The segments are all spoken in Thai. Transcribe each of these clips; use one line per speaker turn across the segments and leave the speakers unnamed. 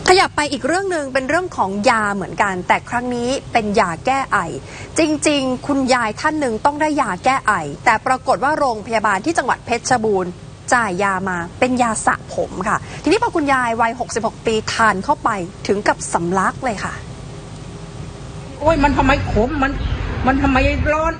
ขยับไปอีกเรื่องหนึ่งเป็นเรื่องของยาเหมือนกันแต่ครั้งนี้เป็นยาแก้ไอจริงๆคุณยายท่านหนึ่งต้องได้ยาแก้ไอแต่ปรากฏว่าโรงพยาบาลที่จังหวัดเพชรบูรณ์จ่ายยามาเป็นยาสระผมค่ะทีนี้พอคุณยายวัย66 ปีทานเข้าไปถึงกับสำลักเลยค่ะ
โอ้ยมันทำไมขมมันทำไมร้อน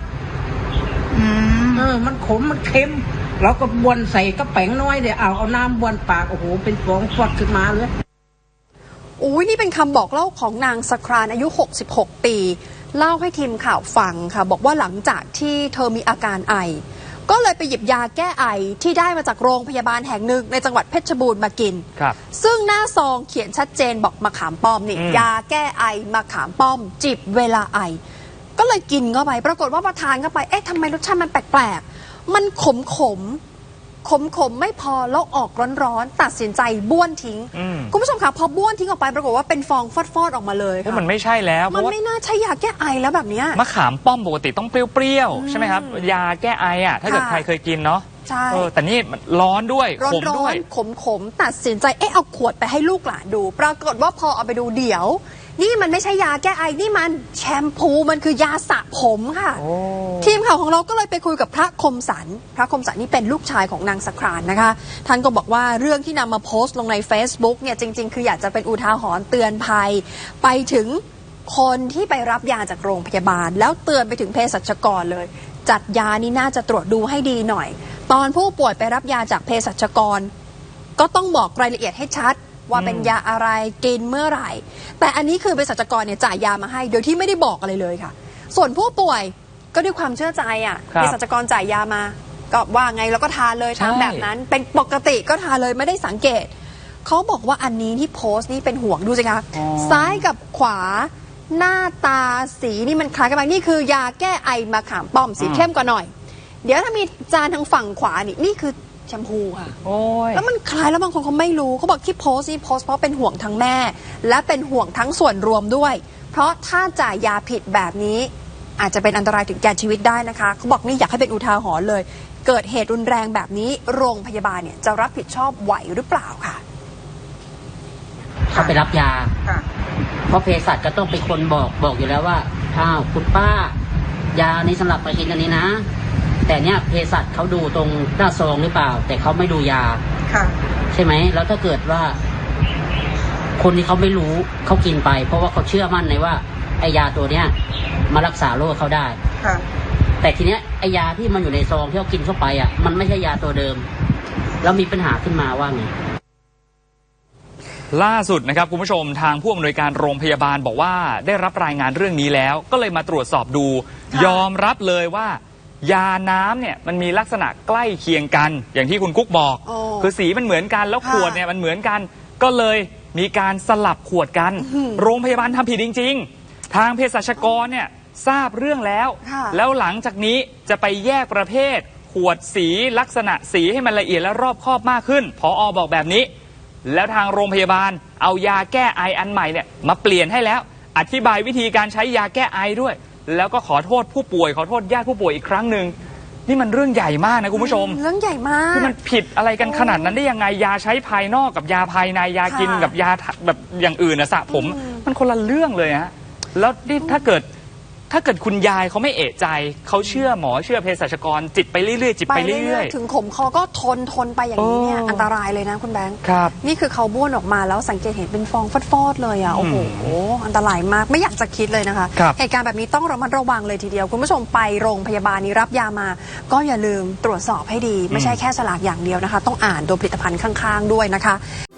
มันขมมันเค็มเราก็บวนใส่กระแป้งน้อยเดี๋ยวเอาน้ำบวนปากโอ้โหเป็นฟองฟอดขึ้นมาเลย
อุ้ยนี่เป็นคำบอกเล่าของนางสครานอายุ66 ปีเล่าให้ทีมข่าวฟังค่ะบอกว่าหลังจากที่เธอมีอาการไอก็เลยไปหยิบยาแก้ไอที่ได้มาจากโรงพยาบาลแห่งหนึ่งในจังหวัดเพชรบูรณ์มากินซึ่งหน้าซองเขียนชัดเจนบอกมะขามป้อมนี่ยาแก้ไอมะขามป้อมจิบเวลาไอก็เลยกินเข้าไปปรากฏว่าพอทานเข้าไปเอ๊ะทำไมรสชาติมันแปลกๆมันขมไม่พอแล้วออกร้อนๆตัดสินใจบ้วนทิ้งคุณผู้ชมคะพอบ้วนทิ้งออกไปปรากฏว่าเป็นฟองฟอดออกมาเลยค่ะ
มันไม่ใช่แล้ว
มันไม่น่าใช่ยาแก้ไอแล้วแบบนี้
มะขามป้อมปกติต้องเปรี้ยวๆใช่ไหมครับยาแก้ไออ่ะถ้าเกิดใครเคยกินเนาะ
ใช่
แต่นี่ร้อนด้วยขมด้วย
ขมตัดสินใจเอาขวดไปให้ลูกหลานดูปรากฏว่าพอเอาไปดูเดี๋ยวนี่มันไม่ใช่ยาแก้ไอนี่มันแชมพูมันคือยาสระผมค่ะทีมข่าวของเราก็เลยไปคุยกับพระคมสันนี่เป็นลูกชายของนางสครานนะคะท่านก็บอกว่าเรื่องที่นำมาโพสต์ลงใน Facebook เนี่ยจริงๆคืออยากจะเป็นอุทาหรณ์เตือนภัยไปถึงคนที่ไปรับยาจากโรงพยาบาลแล้วเตือนไปถึงเภสัชกรเลยจัดยานี่น่าจะตรวจดูให้ดีหน่อยตอนผู้ป่วยไปรับยาจากเภสัชกรก็ต้องบอกรายละเอียดให้ชัดว่าเป็นยาอะไรกินเมื่อไหร่แต่อันนี้คือเภสัชกรเนี่ยจ่ายยามาให้โดยที่ไม่ได้บอกอะไรเลยค่ะส่วนผู้ป่วยก็ด้วยความเชื่อใจเภสัชกรจ่ายยามาก็ว่าไงแล้วก็ทานเลยตามแบบนั้นเป็นปกติก็ทานเลยไม่ได้สังเกตเขาบอกว่าอันนี้ที่โพสต์นี่เป็นห่วงดูสิคะซ้ายกับขวาหน้าตาสีนี่มันคล้ายกันไหมนี่คือยาแก้ไอมะขามป้อมสีเข้มกว่าหน่อยเดี๋ยวถ้ามีจานทางฝั่งขวานี่คือแชมพูค่ะแล้วมันคล้ายแล้วบางคนเขาไม่รู้เขาบอกที่โพสต์นี่โพสต์เพราะเป็นห่วงทั้งแม่และเป็นห่วงทั้งส่วนรวมด้วยเพราะถ้าจ่ายยาผิดแบบนี้อาจจะเป็นอันตรายถึงแก่ชีวิตได้นะคะเขาบอกนี่อยากให้เป็นอุทาหรณ์เลยเกิดเหตุรุนแรงแบบนี้โรงพยาบาลเนี่ยจะรับผิดชอบไหวหรือเปล่าค่ะ
เขาไปรับยาเพราะเภสัชก็ต้องเป็นคนบอกอยู่แล้วว่าอ้าวคุณป้ายานี้สำหรับไปกินอันนี้นะแต่เนี้ยเภสัชเขาดูตรงหน้าซองหรือเปล่าแต่เขาไม่ดูยาใช่ไหมแล้วถ้าเกิดว่าคนที่เขาไม่รู้เขากินไปเพราะว่าเขาเชื่อมั่นในว่าไอยาตัวเนี้ยมารักษาโรคเขาได้แต่ทีเนี้ยไอยาที่มันอยู่ในซองที่เขากินเข้าไปมันไม่ใช่ยาตัวเดิมแล้วมีปัญหาขึ้นมาว่าไง
ล่าสุดนะครับคุณผู้ชมทางผู้อำนวยการโรงพยาบาลบอกว่าได้รับรายงานเรื่องนี้แล้วก็เลยมาตรวจสอบดูยอมรับเลยว่ายาน้ำเนี่ยมันมีลักษณะใกล้เคียงกันอย่างที่คุณกุ๊กบอกคือสีมันเหมือนกันแล้วขวดเนี่ยมันเหมือนกันก็เลยมีการสลับขวดกันโรงพยาบาลทำผิดจริงๆทางเภสัชกรเนี่ยทราบเรื่องแล้วหลังจากนี้จะไปแยกประเภทขวดสีลักษณะสีให้มันละเอียดและรอบคอบมากขึ้นผอ.บอกแบบนี้แล้วทางโรงพยาบาลเอายาแก้ไออันใหม่เนี่ยมาเปลี่ยนให้แล้วอธิบายวิธีการใช้ยาแก้ไอด้วยแล้วก็ขอโทษผู้ป่วยขอโทษญาติผู้ป่วยอีกครั้งหนึ่งนี่มันเรื่องใหญ่มากนะคุณผู้ชม
เรื่องใหญ่มาก
คือมันผิดอะไรกันขนาดนั้นได้ยังไงยาใช้ภายนอกกับยาภายในยากินกับยาแบบอย่างอื่นสระผมมันคนละเรื่องเลยฮะแล้วนี่ถ้าเกิดคุณยายเขาไม่เอะใจเขาเชื่อหมอเชื่อเภสัชกรจิตไปเรื่อยๆจิตไปเรื่อย
ๆถึงขมคอก็ทนไปอย่างนี้เนี่ยอันตรายเลยนะคุณแบงค์นี่คือเขาบ้วนออกมาแล้วสังเกตเห็นเป็นฟองฟอดๆเลยโอ้โหอันตรายมากไม่อยากจะคิดเลยนะคะเหตุการณ์แบบนี้ต้องระมัดระวังเลยทีเดียวคุณผู้ชมไปโรงพยาบาลนี้รับยามาก็อย่าลืมตรวจสอบให้ดีไม่ใช่แค่ฉลากอย่างเดียวนะคะต้องอ่านตัวผลิตภัณฑ์ข้างๆด้วยนะคะ